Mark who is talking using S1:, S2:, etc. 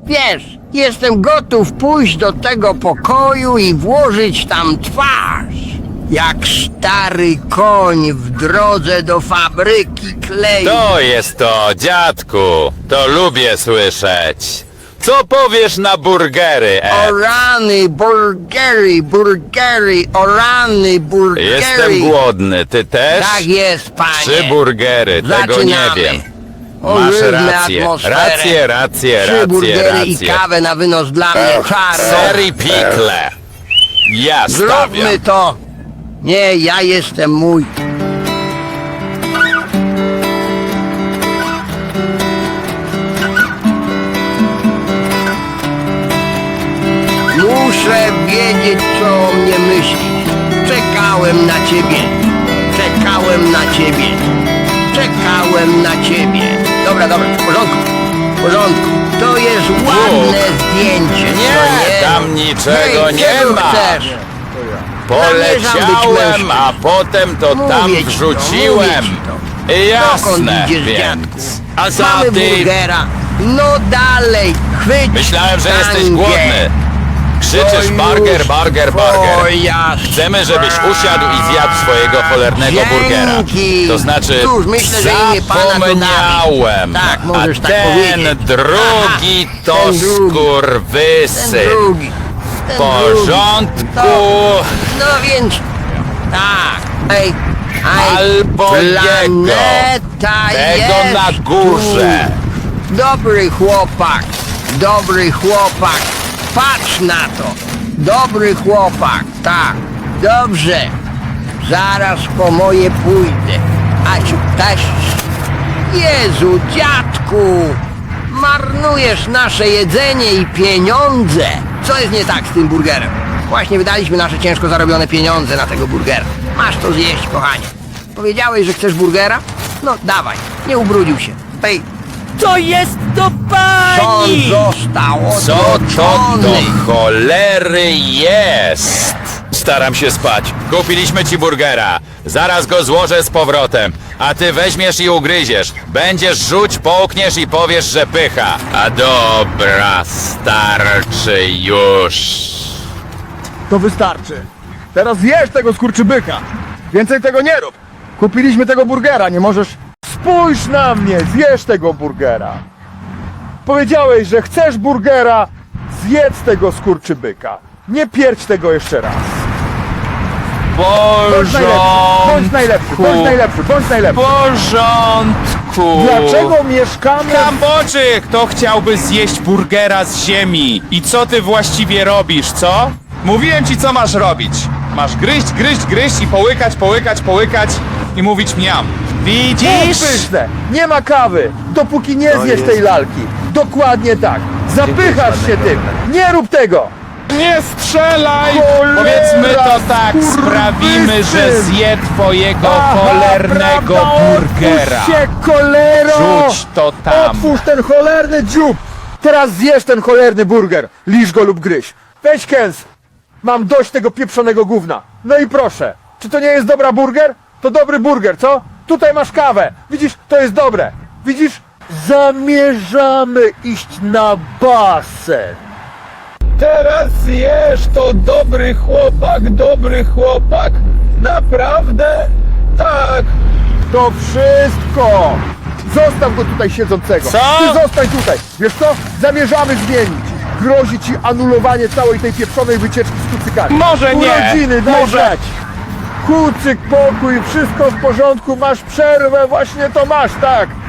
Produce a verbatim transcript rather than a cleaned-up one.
S1: Wiesz, jestem gotów pójść do tego pokoju i włożyć tam twarz. Jak stary koń w drodze do fabryki kleju.
S2: To jest to, dziadku. To lubię słyszeć. Co powiesz na burgery,
S1: O
S2: Ed?
S1: rany, burgery, burgery, o rany, burgery.
S2: Jestem głodny, ty też?
S1: Tak jest, panie.
S2: Trzy burgery, tego nie
S1: Zaczynamy.
S2: wiem.
S1: O,
S2: Masz
S1: różne
S2: rację,
S1: atmosfery.
S2: rację, rację,
S1: Trzy
S2: rację,
S1: burgery i
S2: rację.
S1: kawę na wynos dla mnie, czarno.
S2: Ser i pikle. Ja stawiam.
S1: Zróbmy to. Nie, ja jestem mój. Muszę wiedzieć, co o mnie myślisz. Czekałem na ciebie. Czekałem na ciebie. Czekałem na ciebie. Dobra, dobra, w porządku. W porządku. To jest ładne zdjęcie, co
S2: Nie,
S1: nie?
S2: tam niczego
S1: Hej,
S2: nie
S1: czego
S2: ma.
S1: chcesz? Zamierzam być
S2: Poleciałem,
S1: mężczyzną.
S2: a potem to
S1: Mówię
S2: tam
S1: ci to,
S2: wrzuciłem.
S1: mówię ci to. Dokąd
S2: Jasne,
S1: idziesz,
S2: więc.
S1: dziadku?
S2: A co
S1: Mamy
S2: ty?
S1: burgera. No dalej, chwyć
S2: Myślałem, że jesteś
S1: tangę.
S2: głodny. Krzyczysz
S1: To
S2: burger,
S1: już
S2: burger, burger.
S1: twoja
S2: Chcemy, żebyś usiadł i zjadł swojego cholernego burgera.
S1: Dzięki.
S2: To znaczy,
S1: Cóż, myślę, że imię Pana to
S2: zapomniałem.
S1: Tak, możesz
S2: a
S1: tak
S2: ten
S1: powiedzieć.
S2: drugi
S1: Aha,
S2: to
S1: ten drugi. Ten
S2: skurwysyn.
S1: drugi.
S2: W
S1: Ten
S2: porządku.
S1: drugi. To, no więc, tak. Ej, ej,
S2: Albo jego.
S1: planeta
S2: Tego
S1: jest
S2: na górze.
S1: Tu. Dobry chłopak, dobry chłopak. Patrz na to. Dobry chłopak, tak. Dobrze. Zaraz po moje pójdę. A ci też. Jezu, dziadku. Marnujesz nasze jedzenie i pieniądze. Co jest nie tak z tym burgerem? Właśnie wydaliśmy nasze ciężko zarobione pieniądze na tego burgera. Masz to zjeść, kochanie. Powiedziałeś, że chcesz burgera? No dawaj, nie ubrudził się. Ej,
S3: To jest do
S1: on
S3: pani!
S1: został
S2: Co to
S1: odroczony.
S2: do cholery jest? Staram się spać. Kupiliśmy ci burgera. Zaraz go złożę z powrotem. A ty weźmiesz i ugryziesz. Będziesz rzuć, połkniesz i powiesz, że pycha. A dobra, starczy już.
S4: To wystarczy. Teraz zjesz tego skurczybyka. Więcej tego nie rób. Kupiliśmy tego burgera, nie możesz... Spójrz na mnie, zjesz tego burgera. Powiedziałeś, że chcesz burgera, zjedz tego skurczybyka. Nie pierdź tego jeszcze raz. Bądź najlepszy, bądź najlepszy, bądź najlepszy, bądź najlepszy.
S5: porządku!
S4: Dlaczego mieszkamy...
S5: Kamboczy, kto chciałby zjeść burgera z ziemi? I co ty właściwie robisz, co? Mówiłem ci, co masz robić. Masz gryźć, gryźć, gryźć i połykać, połykać, połykać i mówić miam. Widzisz?
S4: Pyszne! Nie ma kawy, dopóki nie zjesz tej lalki. Dokładnie tak. Zapychasz się tym. Nie rób tego.
S5: Nie strzelaj!
S4: Cholera,
S5: Powiedzmy to tak,
S4: skurwysyn!
S5: sprawimy, że zje twojego
S4: Aha,
S5: cholernego
S4: prawda?
S5: burgera.
S4: Otwórz się, kolero!
S5: Rzuć to tam.
S4: Otwórz ten cholerny dziób! Teraz zjesz ten cholerny burger. Liż go lub gryź. Weź kęs. Mam dość tego pieprzonego gówna. No i proszę. Czy to nie jest dobra burger? To dobry burger, co? Tutaj masz kawę. Widzisz, to jest dobre. Widzisz? Zamierzamy iść na basen. Teraz jesz, to dobry chłopak, dobry chłopak. Naprawdę? Tak. To wszystko. Zostaw go tutaj siedzącego.
S5: Co?
S4: Ty zostań tutaj. Wiesz co? Zamierzamy zmienić. Grozi ci anulowanie całej tej pieprzonej wycieczki z kucykami.
S5: Może nie.
S4: Urodziny, daj
S5: Może-
S4: znać. Kucyk, pokój, wszystko w porządku, masz przerwę, właśnie to masz, tak.